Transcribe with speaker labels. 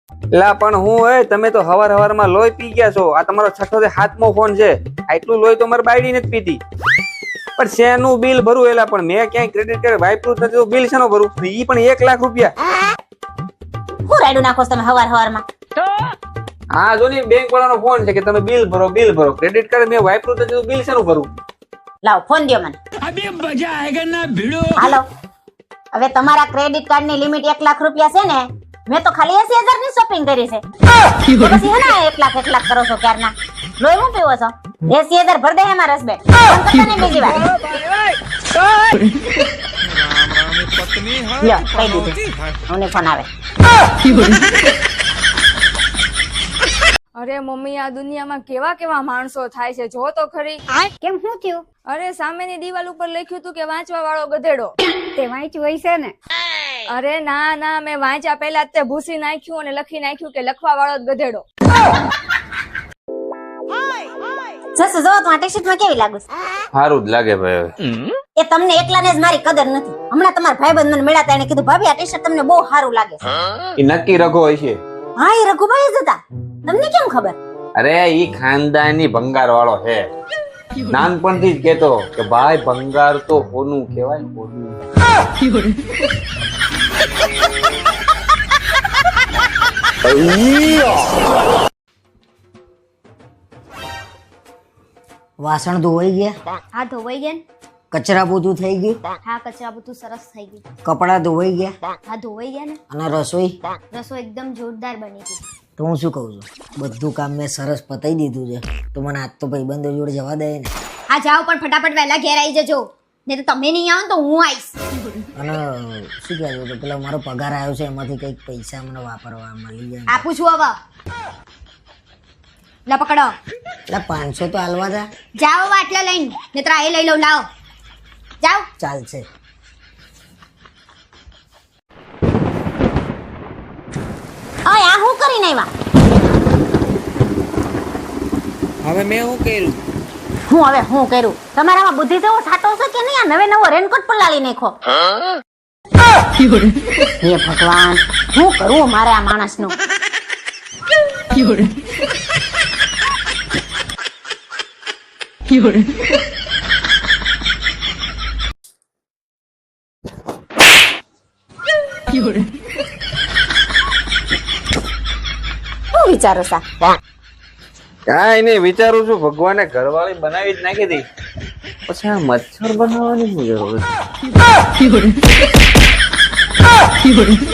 Speaker 1: લા પણ હું તમે તો હવારમાં લોહી પી ગયા છો. આ તમારો 6થો કે 7મો ફોન છે. આટલું લોહી તો મારી બાયડી નથી પીતી. પણ શેનું બિલ ભરું એલા? પણ મેં ક્યાંય ક્રેડિટ કાર્ડ વાપર્યું નથી તો બિલ શેનો ભરું? ઈ પણ 1 લાખ રૂપિયા.
Speaker 2: હું રાડું નાખો તમે હવારમાં?
Speaker 1: હા જો ને બેંક વાળાનો ફોન છે કે તમે બિલ ભરો. ક્રેડિટ કાર્ડ મેં વાપર્યું નથી તો બિલ શેનું ભરું?
Speaker 2: લાવ ફોન દ્યો મને.
Speaker 3: अभी मजा आएगा ना भिड़ो.
Speaker 2: હાલો, હવે તમારા ક્રેડિટ કાર્ડ ની લિમિટ 1 લાખ રૂપિયા છે ને? મેં તો ખાલી 80,000 ની શોપિંગ કરી છે. પછી હે ને 1 લાખ કરો છો ક્યારના? લોહી હું પીવો છો? 80,000 ભર દે એમાં રસ બે. બીજી વાર લ્યો, કહી દીધું. મને ફોન આવે.
Speaker 4: અરે મમ્મી, આ દુનિયામાં કેવા કેવા માણસો થાય છે, જો તો ખરી.
Speaker 5: કેમ શું થયું?
Speaker 4: અરે સામેની દિવાલ ઉપર લખ્યું હતું કે વાંચવા વાળો ગધેડો.
Speaker 5: તે વાંચ્યું હોય છે ને?
Speaker 4: અરે ના, મેં વાંચ્યા પહેલા જ તે ભૂસી નાખ્યું અને લખી નાખ્યું કે લખવા વાળો જ ગધેડો.
Speaker 2: જસ જો તો આ ટી-શર્ટ માં કેવી લાગુ છે?
Speaker 1: સારું જ લાગે ભાઈ.
Speaker 2: એ તમને એકલાને જ મારી કદર નથી. હમણાં તમારા ભાઈબંધ મને મળ્યા એને કીધું ભાભી આ ટી-શર્ટ તમને બહુ સારું લાગે છે.
Speaker 1: ઈ નક્કી રઘો હોય છે.
Speaker 2: હા, એ રઘુભાઈ જ હતા. તમને કેમ ખબર?
Speaker 1: અરે ઈ ખાનદાની ભંગાર વાળો છે. નાનપણથી જ કેતો કે ભાઈ ભંગાર તો હોનું કહેવાય, હોનું.
Speaker 6: વાસણ ધોવાઈ ગયા?
Speaker 5: હા, ધોવાઈ ગયા ને?
Speaker 6: કચરા પોતું થઈ ગયું?
Speaker 5: હા, કચરા બધું સરસ થઈ ગયું.
Speaker 6: કપડા ધોવાઈ ગયા?
Speaker 5: હા, ધોવાઈ ગયા ને?
Speaker 6: અને રસોઈ?
Speaker 5: રસોઈ એકદમ જોરદાર બની ગઈ.
Speaker 6: તો હું શું કહું છું, બધું કામ મેં સરસ પતાઈ દીધું છે, તો મને આજ તો ભાઈબંધો જોડે જવા દે ને.
Speaker 5: હા, જાઓ પણ ફટાફટ વહેલા ઘેર આવી જજો. નહીં તો તમે નહીં આવો તો હું આવીશ.
Speaker 6: અને શું કહેવું તો પેલો મારો પગાર આવ્યો છે એમાંથી કંઈક પૈસા મને વાપરવા મળી જાય.
Speaker 5: આપું છું હવે. લા પકડો.
Speaker 6: એટલે 500 તો હાલવા દે.
Speaker 5: જાઓ આટલા લઈને, નહીતર આ લઈ લઉં. લાવો, જાઓ.
Speaker 6: ચાલશે.
Speaker 2: ઓય આ હું કરીને આવ્યા?
Speaker 1: હવે મેં શું કર્યું?
Speaker 2: હું કર્યું? તમારામાં બુદ્ધિ જેવો સાટો છે કે નહીં? આ નવો રેનકોટ પણ લાવી નાખો. હે ભગવાન, શું કરું મારે આ માણસનું? શું વિચારો સા?
Speaker 1: કાંઈ નહીં, વિચારું છું ભગવાને ઘરવાળી બનાવી જ નાખી હતી, પછી આ મચ્છર બનાવવાની શું જરૂર છે?